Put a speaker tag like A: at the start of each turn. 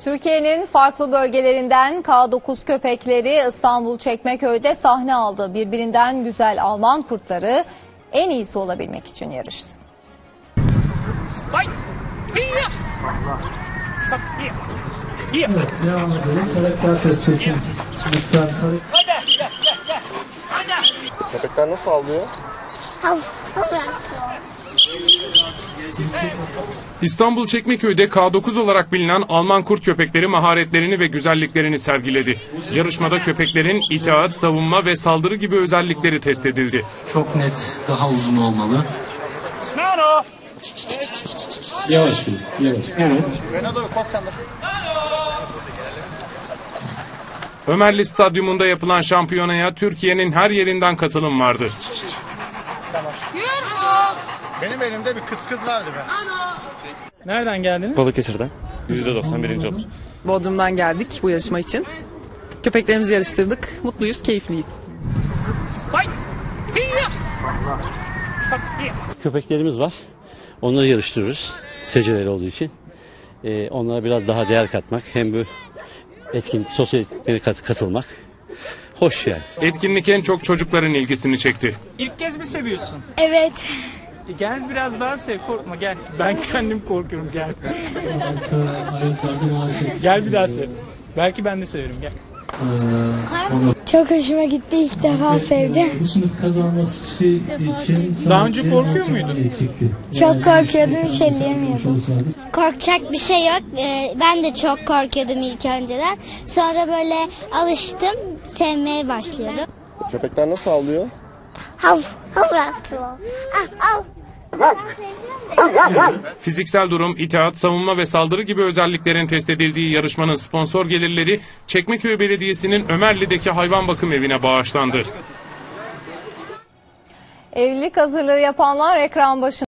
A: Türkiye'nin farklı bölgelerinden K9 köpekleri İstanbul Çekmeköy'de sahne aldı. Birbirinden güzel Alman kurtları en iyisi olabilmek için yarıştı.
B: Köpekler nasıl avlıyor?
C: İstanbul Çekmeköy'de K9 olarak bilinen Alman kurt köpekleri maharetlerini ve güzelliklerini sergiledi. Yarışmada köpeklerin itaat, savunma ve saldırı gibi özellikleri test edildi.
D: Çok net, daha uzun olmalı. Yavaş bir, yavaş. Evet.
C: Ömerli Stadyumunda yapılan şampiyonaya Türkiye'nin her yerinden katılım vardı.
B: Benim elimde bir kıt vardı be.
E: Nereden geldiniz?
F: Balıkesir'den. %91. olur.
G: Bodrum'dan geldik bu yarışma için. Köpeklerimizi yarıştırdık. Mutluyuz, keyifliyiz.
H: Köpeklerimiz var. Onları yarıştırıyoruz. Seceleri olduğu için. Onlara biraz daha değer katmak. Hem bu sosyal etkinliklere katılmak. Hoş yani.
C: Etkinlik en çok çocukların ilgisini çekti.
E: İlk kez mi seviyorsun?
I: Evet.
E: Gel biraz daha sev, korkma gel. Ben kendim korkuyorum, gel. Gel bir daha sev. Belki ben de severim, gel.
I: Çok hoşuma gitti, ilk defa sevdim.
D: Bu sınıf kazanması için...
E: Daha önce korkuyor muydun?
I: Çok korkuyordum, hiç elleyemiyordum. Korkacak bir şey yok. Ben de çok korkuyordum ilk önceden. Sonra böyle alıştım, sevmeye başlıyorum.
B: Köpekler nasıl avlıyor?
I: Hav, hav, hav.
C: Fiziksel durum, itaat, savunma ve saldırı gibi özelliklerin test edildiği yarışmanın sponsor gelirleri Çekmeköy Belediyesi'nin Ömerli'deki hayvan bakım evine bağışlandı.
A: Evlilik hazırlığı yapanlar ekran başında.